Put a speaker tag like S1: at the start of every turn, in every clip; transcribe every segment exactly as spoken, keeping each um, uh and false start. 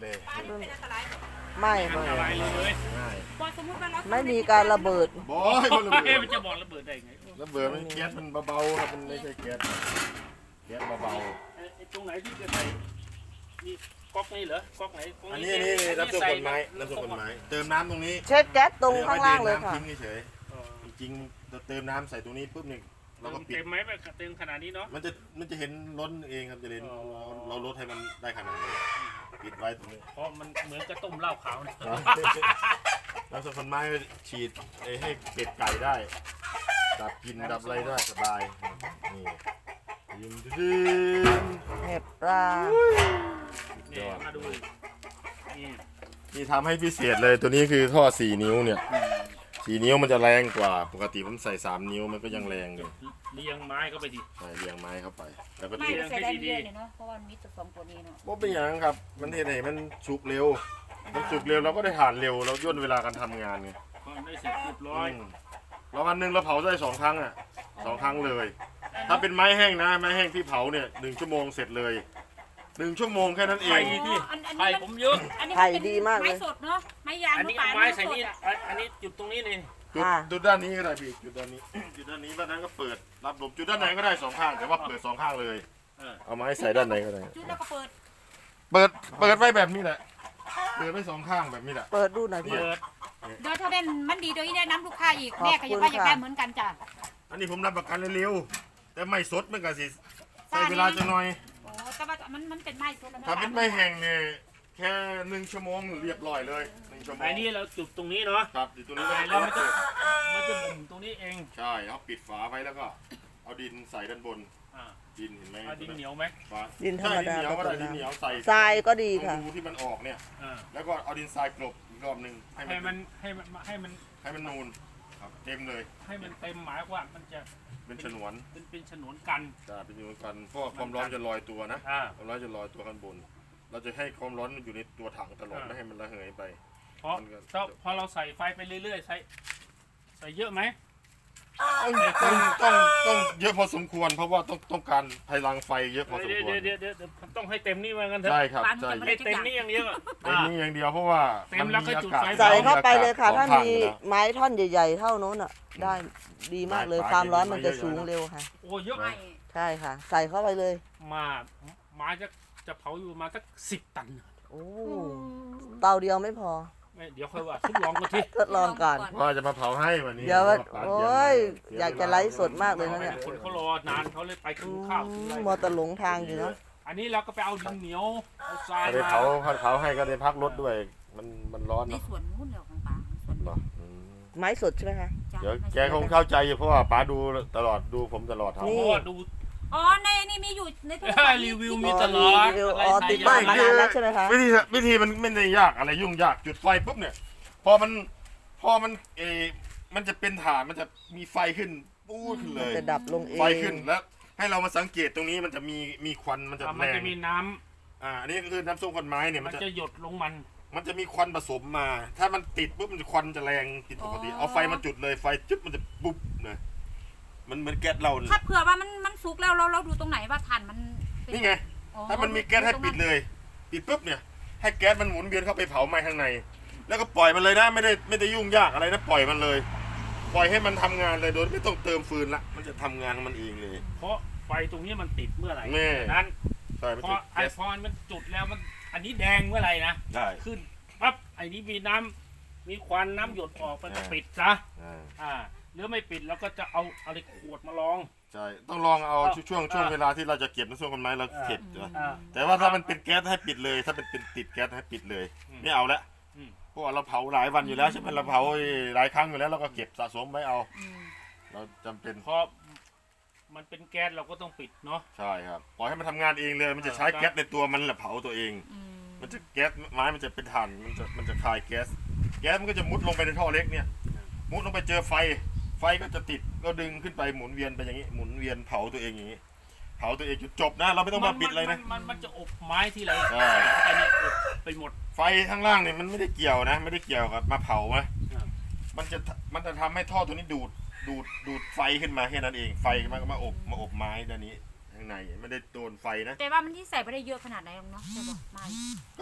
S1: เลย
S2: บ้านนี้เป็นอันตราย
S3: ไม่
S4: อัน
S3: ไม่
S4: ตรายเลย
S1: ง่าย
S2: พอสมมติว่าเรา
S3: ไม่มีการระเบิด
S1: บอยมันระเบิ
S4: เอ๊ะ
S1: ด
S4: มันจะบอกระเบิดได้ไง
S1: ระเบิดมันแก๊สมันเบาๆครับมันไม่ใช่แก๊สแก๊สเบา
S4: ไอ้ไอ้ตรงไหนที่จะใส่นี่ก๊อกนี่เหรอก๊อกไหนก๊ก
S1: ๆอันนี้นี่น้ำส้มผลไม้น้ำส้มผลไม้เติมน้ำตรงนี้
S3: เช็คแก๊สตรงข้างล่างเลยค่ะ
S1: ทิ้งเฉย
S4: เออ
S1: ๆจริงๆเราเติมน้ำใส่ตรงนี้ปุ๊บเนี่ยเราก็ปิด
S4: เต็มไหมแบบเต็มขนาดนี้เนาะ
S1: มันจะมันจะเห็นล้นเองครับจะเห็น
S4: อ๋อ
S1: เราลดให้มันได้ขนาดนี้ปิดไว้ตรงนี้
S4: เพราะมันเหมือนกระต้มเหล้าขาวเนี่ย
S1: น้ำส้มผลไม้ฉีดให้เป็ดไก่ได้ดับกลินดับอะไรได้สบายนี่ยินดี
S3: เห็บปลา
S4: นี่มาดูนี่
S1: นี่ทำให้พิเศษเลยตัวนี้คือท่อสี่นิ้วเนี่ยสี่นิ้วมันจะแรงกว่าปกติผมใส่สามนิ้วมันก็ยังแรงอยู่
S4: เลี้ยงไม้เข้าไปดิ
S1: ใส่เรียงไม้เข้าไป แล้วก็
S2: ไม่
S1: ติด
S2: เสียดายเยอะเนี่ยเนาะเพราะว่ามันมีจุดสองตัวนี้เนาะ
S1: ว่าเป็นอย่างนั้นครับมันเห็นไหนมันสุกเร็ว มันสุกเร็วเราก็ได้ทานเร็วเราย่นเวลาการทำงานไง
S4: พอได้เสร็จเรียบร้อย
S1: อืมแล้ววันหนึ่งเราเผาได้สองครั้งอ่ะสองครั้งเลย ถ้าเป็นไม้แห้งนะไม้แห้งที่เผาเนี่ยหนึ่งชั่วโมงเสร็จเลยหนึ่งชั่วโมงแค่นั้นเอ
S4: ไข่
S1: ง
S4: ที่
S2: อันอัน
S4: ไข่
S2: นี้
S4: ผ
S2: มัน
S4: มเยอะ
S2: อันนี้
S3: ไข่
S2: มันเป็น
S3: ดีมากเล
S2: ไม้
S3: ย
S2: สดเนาะไม้ยาง
S4: อันนี้
S2: ป่า
S4: เอาไม้ใส่
S2: ส
S4: นี่
S2: ดอะ
S4: อันนี้จุดตรงนี้นี่
S1: จุด
S3: ค่ะ
S1: จุดด้านนี้ก็ได้พี่จุดด้านนี้ จุดด้านนี้ด้านนั้นก็เปิดรับลมจุดด้านไหนก็ได้สองข้างแต่ว่าเปิดสองข้างเลย
S4: เออ
S1: เอาไม้ใส่ด้านไหนก็ได้
S2: จุดแล้วก็เปิด
S1: เปิดเปิดไว้แบบนี้แหละเปิดไว้สองข้างแบบนี้แหละ
S3: เปิดดูหน่อยพี่
S4: เปิด
S2: เดี๋ยวถ้าเป็นมันดีโดยที่ได้น้ำลูกค้าอีก
S3: ขอบ
S2: แม่ก็อยากว่า
S3: คุณ
S2: อยากได้
S3: ค่ะ
S2: เหมือนกันจ้ะ
S1: อันนี้ผมรับประกันเร็วๆแต่ไม่สดมันก็สิใช้
S2: ซ่า
S1: เวลาจะหน่อย
S2: โอ้แต่ว่ามันมันเป็นไม้สดแล้วนะ
S1: ถ้าเป็นไม้แห้งเนี่ยแค่หนึ่งชั่วโมงเรียบร้อยเลยหนึ่งชั่วโมง
S4: ไอ้นี่เราจุดตรงนี้เนาะ
S1: ครับอยู่ตรงนี้
S4: แล้วมัน
S1: ก็
S4: จะมันจะบุ่มตรงนี้เอง
S1: ใช่เอาปิดฝาไว้แล้วก็เอาดินใส่ด้านบน
S4: อ่า
S1: ดินเห็นไหม
S4: เอาดินเหนียวไหม
S1: ฝา
S3: ดินธรรมดา
S1: ใช่ดินเหนียวก็ได้
S3: ผสมน้ำ
S1: ดินเหนียวใส่
S3: ทรายก็ดี
S1: ตร
S3: ค่ะ
S1: งรูที่มันออกเนี่ย
S4: อ่า
S1: แล้วก็เอาดินทรายกลบอีกรอบหนึ่งให้
S4: ให้
S1: มั
S4: มัน นให้มันให้มัน
S1: ให้มันนูนครับเต็มเลย
S4: ให้มันเต็มหมายว่ามันจะ
S1: เป็นฉนวน
S4: เป็นเป็นฉนวนกัน
S1: จะเป็นฉนวนกันเพราะว่าความร้อนจะลอยตัวนะ
S4: อ่า
S1: ความร้อนจะลอยตัวข้างบน เราจะให้ความร้อนมันอยู่ในตัวถังตลอด
S4: อ่า
S1: ไม่ให้มันระเหยไป
S4: เพราะ
S1: มันก็
S4: ถ้าพอเราใส่ไฟไปเรื่อยๆใส่ใส่เยอะไหม
S1: ต้องต้องต้องต้องเยอะพอสมควร เพราะว่าต้องต้องการพลังไฟเยอะพอสม
S4: เดี๋ยว
S1: ควร
S4: เดี๋ยวเดี๋ยวเดี๋ยวต้องให้เต็มนี่มากันเถอะ
S1: ใช่ครับ
S2: ร้าน
S1: ใช่
S2: จะไม่
S4: ให้
S2: ได้ทุก
S4: เต็
S2: อ
S4: ม
S2: ย่าง
S4: นี่อย่างเดียวอะ
S1: เต็มนี่อย่างเดียวเพราะว่า
S4: เต็มแล้วก็จุดไฟ
S3: ใส่เข้าไปเลยค่ะ
S1: สอง
S3: ถ้า
S1: ข้ง
S3: มี
S1: อยู่แล้ว
S3: ไม้ท่อนใหญ่ๆเท่านู้นอ่ะ ได้ดีมากเลย
S1: ได้
S3: ความร้อนมันจะ
S1: ได้
S3: สูงเร็วค่ะ
S4: โอ้เยอะ
S2: ไม่
S3: ใช่ค่ะ ใส่เข้าไปเลย
S4: มาไม้จะจะเผาอยู่ประมาสักสิบตัน
S3: โอ้เตาเดียวไม่พอ
S4: ไม่เดี๋ยวค่อยว่าทดลองกันที
S3: ทดลองก่อน
S1: ว่าจะมาเผาให้วันนี้
S3: เดี๋ยวว่า
S1: ปาด
S3: โอ้
S1: เน
S3: ย
S1: เสี
S3: อยากจะไลฟ์สดมากเลยนะเนี่ย
S4: คนเขารอนานเขาเลยไปกิ
S3: อื
S4: นข้าวกิน
S3: ม
S4: อะไร
S3: มอเตอร์หลงทางอยู่เนาะ
S4: อันนี้เราก็ไปเอาดินเหนียวเอาทราย
S1: เอาไป
S4: มา
S1: เผาเผาให้ก็ได้พักรถด้วย มันมันร้อน
S2: ใน
S1: เนาะ
S2: สวนนู้นเหรอของป่าสวน
S1: เนาะอืม
S3: ไม้สดใช่ไหมคะ
S2: จ้ะ
S1: เดี๋ยว
S2: ไม่
S1: แก
S2: ใช่
S1: คงเข้าใจอยู่เพราะว่าป๋าดูตลอดดูผมตลอด
S4: เพ
S1: ทำ
S3: นี่
S4: ราะว่าดู
S2: อ๋อในนี่มีอยู่ในโทร
S4: เอ
S2: ศั
S4: อ
S2: พท์
S4: รีวิว
S2: มี
S4: มีตลอด
S3: อ๋อ
S4: อะไร
S3: อ๋อ
S4: ใส่
S3: ติด
S4: ยา
S3: บ้าน
S4: มา
S3: มานานแล้วใช่ไหมคะ
S1: วิธีวิธีมันไม่ได้ยากอะไรยุ่งยากจุดไฟปุ๊บเนี่ย พอมันพอมันเออมันจะเป็นฐานมันจะมีไฟขึ้นปูดขึ้นเลย
S3: จะดับลงเอง
S1: ไฟขึ้นแล้วให้เรามาสังเกตตรงนี้มันจะมีมีควันมันจะ
S4: อ่ะ
S1: แร
S4: มัน
S1: ง
S4: จะมีน้ำ
S1: อ่าอันนี้ก็คือน้ำส้มควันไม้เนี่ย
S4: มั
S1: มัน นจะ
S4: จะหยดลงมัน
S1: มันจะมีควันผสมมา ถ้ามันติดปุ๊บมันจะควันจะแรงผิดปกติเอาไฟมาจุดเลยไฟจุ๊บมันจะปุ๊บเลยมันเหมือนแก๊สเราเนี่ย
S2: ถ้าเผื่อว่ามันมันสุกแล้วเราเราดูตรงไหนว่าถ่านมันเป็
S1: นี่ไง
S2: อ๋อ
S1: ถ้ามันมีแก๊สให้ปิดเลย ปิดปุ๊บเนี่ย ให้แก๊สมันหมุนเวียนเข้าไปเผาไหม้ข้างใน แล้วก็ปล่อยมันเลยนะไม่ได้ไม่ได้ยุ่งยากอะไรนะปล่อยมันเลย ปล่อยให้มันทำงานเลยโดยไม่ต้องเติมฟืนละมันจะทำงานของมันเองเลย
S4: เพราะไฟตรงนี้มันติดเมื่อไหร่
S1: แน่
S4: นั้น
S1: ใช่มัน
S4: พ
S1: จะ
S4: อไอ
S1: แก๊ส
S4: พอนมันจุดแล้วมันอันนี้แดงเมื่อไหร่นะ
S1: ได้
S4: ขึ้นปั๊บไอ้นี้มีน้ำมีควันน้ำหยดออกมันก็
S1: อ่า
S4: ปิดซะ
S1: อ่า
S4: อ่าหรือไม่ปิดเราก็จะเอาอะไรขวดมาลอง
S1: ใช่ต้องลองเอา
S4: อ่า
S1: ช่วงช่วงเวลาที่เราจะเก็บน้ำส้มกันไม้เราเก็บ
S4: อ่า
S1: ใช่ไหม
S4: อ่า
S1: แต่ว่าถ้ามันเป็นแก๊สให้ปิดเลย ถ้าเป็นเป็นติดแก๊สให้ปิดเลย
S4: อืม
S1: ไม่เอาละ
S4: อืม
S1: เพราะว่าเราเผาหลายวันอยู่แล้วใช่ไหมเราเผาหลายครั้งอยู่แล้วเราก็เก็บสะสมไว้เอา
S2: อืม
S1: เราจำเป็น
S4: เพราะมันเป็นแก๊สเราก็ต้องปิดเนาะ
S1: ใช่ครับปล่อยให้มันทำงานเองเลย มันจะใช้แก๊สในตัวมันแหละเผาตัวเอง
S2: อืม
S1: มันจะแก๊สไม้มันจะเป็นถ่านมันจะมันจะคายแก๊สแก๊สมันก็จะมุดลงไปในท่อเล็กเนี่ยมุดลงไปเจอไฟ ไฟก็จะติดก็ดึงขึ้นไปหมุนเวียนไปอย่างนี้หมุนเวียนเผาตัวเองอย่างนี้เผาตัวเองจนจบนะ เราไม่ต้องมาปิดเลยนะ
S4: มันมันมันจะอบไม้ที่เรา
S1: ใช่
S4: ใส่เข้าไปนี่อบไปหมด
S1: ไฟข้างล่างเนี่ยมันไม่ได้เกี่ยวนะ ไม่ได้เกี่ยวกับมาเผาไหม
S4: ครับ
S1: มันจะมันจะทำให้ท่อตัวนี้ดูดดูดดูดไฟขึ้นมาแค่นั้นเองไฟมันก็มาอบมาอบไม้ด้านนี้ข้างในไม่ได้โดนไฟนะ
S2: แต่ว่ามันที่ใส่ไม่ได้เยอะขนาดไหนหรอกเนาะใช่ปะไม่
S1: ก็พ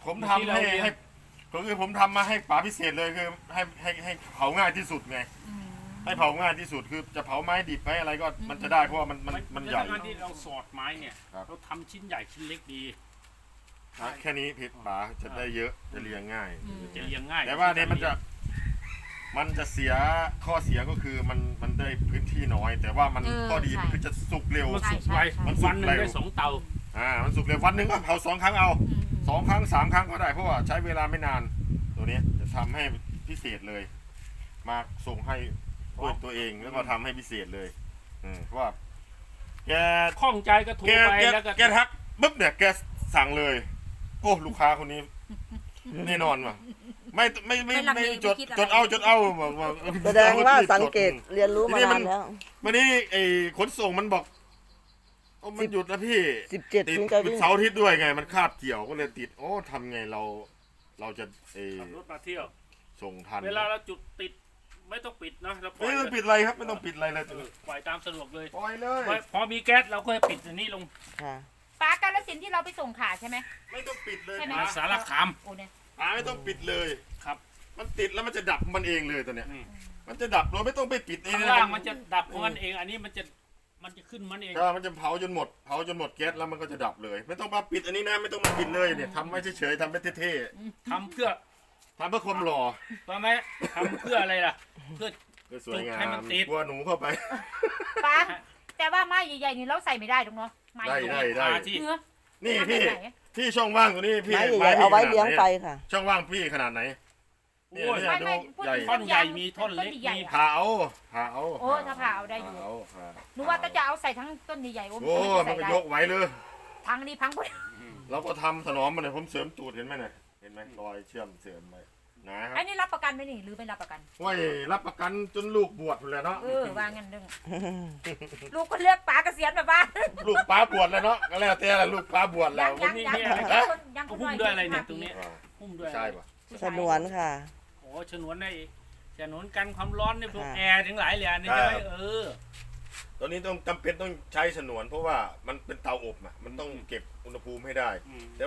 S1: ผมทำให้ให้ก็คือผมทำมาให้ป๋าพิเศษเลยคือให้ให้ให้เผาง่ายที่สุดไง
S2: อืม
S1: ให้เผาง่ายที่สุดคือจะเผาไม้ดิบไม้อะไรก็มันจะได้เพราะว่ามันมันมันใหญ่
S4: การที่เราสอดไม้เนี่ย
S1: ครับ
S4: เราทำชิ้นใหญ่ชิ้นเล็กดี
S1: แค่นี้ผิดป๋าจะได้เยอะจะเรียงง่าย
S4: จะเรียงง่าย
S1: แต่ว่าเนี่ยมันจะมันจะเสียข้อเสียก็คือมันมันได้พื้นที่น้อย แต่ว่ามันข้อดีมันคือจะสุกเร็ว
S4: มันสุกไว
S1: มันสุก
S4: วันหนึ่ง
S1: เร็ว
S4: ได้สองเตา
S1: อ่ามันสุกเร็ววันหนึ่งก็เผาสองครั้งเอา
S2: อืม
S1: สองครั้งสามครั้งก็ได้เพราะว่าใช้เวลาไม่นาน ตัวเนี้ยจะทำให้พิเศษเลย มาส่งให้ด้วยตัวเองแล้วก็ทำให้พิเศษเลยอืมเพราะว่าแก
S4: ข้องใจก็โทร
S1: แก
S4: ไป
S1: แก
S4: แล้วก็
S1: แกทักปุ๊บเนี่ยแกสั่งเลย โอ้ลูกค้าคนนี้แน่นอนว่ะไม่ไม่ไม่
S2: ไม่ลังเล
S1: ไม่จด
S2: ไม่คิดอะไร
S1: จดเอาจดเอาบอกว่า
S3: แสดงว่าสังเกตเรียนรู้มา
S1: ทีนี้
S3: นา
S1: มัน
S3: นแล้ว
S1: วันนี้ไอ้ขนส่งมันบอกโอ้มันหยุดแล้วพี่
S3: สิบเจ็ด
S1: ติด
S3: ถึงจะ
S1: หยุด
S3: วิ่ง
S1: เสาร์อาทิตย์ด้วยไง มันคาบเกี่ยวก็เลยติด โอ้ทำไงเรา เราจะเออ
S4: ขับรถมาเที่ยว
S1: ส่งทัน
S4: เวลาเราจุดติดไม่ต้องปิดนะเราปล่อ
S1: ไม่
S4: ย
S1: ต้องปิดอะไรครับ ไม่ต้องปิดอะไรเลย
S4: เออปล่อยตามสะดวกเลย
S1: ปล่อยเลย
S4: พอพอมีแก๊สเราก็ปิดอันนี้ลง
S3: ค่ะ
S2: ป้ากาลสินธุ์ที่เราไปส่งขาใช่ไหม
S1: ไม่ต้องปิดเลย
S2: ใช่ไหม
S4: มาสารคาม
S2: โอ้เนี่ย
S1: ป๋าไม่ต้องปิดเลย
S4: ครับ
S1: มันติดแล้วมันจะดับมันเองเลยตัวเนี้ย
S4: อืม
S1: มันจะดับโดยไม่ต้องไปปิดเอง
S4: ข้างล่างมันจะดับของมันเอง อันนี้มันจะมันจะขึ้นมันเอง
S1: ก็มันจะเผาจนหมด เผาจนหมดแก๊สแล้วมันก็จะดับเลย ไม่ต้องมาปิดอันนี้นะ ไม่ต้องมาปิดเลยเนี่ยทำไว้เฉยๆทำไว้เท่
S4: ทำเพื่อ
S1: ๆทำเพื่อความหล่อ
S4: ว่าไหมทำเพื่ออะไรล่ะ เพื่อ
S1: เพื่อสวยงา
S4: ให้มั
S1: ม
S4: นติด
S1: กลัวหนูเข้าไป
S2: ป้าแต่ว่าไม้ใหญ่ๆนี่เราใส่ไม่ได้ตรงเนาะไม้
S1: ได้
S2: ใหญ่
S1: ได้
S4: หาที่
S2: เนื้อ
S1: นี่พี่
S2: ทำแบบไหน
S1: พี่ช่องว่างตัวนี้พี่
S3: ไม้ใหญ่ๆเอาไว้
S1: พี่
S3: เลี้ยง
S1: ขนาดหน
S3: ไฟค่ะ
S1: ช่องว่างพี่ขนาดไหน
S4: โอ้ย
S1: เนี่ย
S2: ไม่ไม่พูด
S1: ใหญ่
S2: ถึง
S4: ท่อนใหญ่มีท่อนเล็ก
S2: ใหญ่
S4: มี
S2: ๆอะ
S1: ผ่าเอาผ่าเอา
S2: โอ้ถ้าผ่าเอาได้อยู่
S1: ผ่เอาผ่า
S2: หนูว่าก็จะเอาใส่ทั้งต้นใหญ่ๆโอ้
S1: โอ้
S2: ไม่
S1: มัน
S2: ใส่
S1: ก็
S2: ได้
S1: ยกไหวเลย
S2: พังนี่พังหมด
S1: เราก็ทำถนอมมันเลยผมเสริมตูดเห็นไหมเนี่ยเห็นไหมรอยเชื่อมเสริมไปนะค
S2: อั
S1: รับ
S2: นนี้รับประกันไหมนี่หรือไม่รับประกัน
S1: ไว้รับประกันจนลูกบวชเลยเนาะ
S2: เออว่างั้นเรื่องลูกก็เลือกป๋าเกษียณแบบว่า
S1: ลูกป้าบวชแล้วเนาะก็แล้วแต่ละลูกป้าบวชแล้
S2: ยั
S1: ว
S2: งยัง
S4: นี่
S2: ยัง
S4: นี่
S2: ยัง
S4: อะไร
S2: คนยังคน
S4: หุ้มด้วยอะไรเนี่ยตรงนี้
S1: อ่า
S4: หุ้มด้วย
S1: ใช่ปะ
S3: สนวนค่ะ
S4: โอ้ฉนวนได้ฉนวนกันความร้อนในพวก
S3: ค่ะ
S4: แอร์ทั้งหลายเลยอันนี่ใช่ไหมเออ
S1: ตอนนี้ต้องจำเป็นต้องใช้ฉนวน เพราะว่ามันเป็นเตาอบอ่ะมันต้องเก็บอุณหภูมิให้ได้
S4: อืม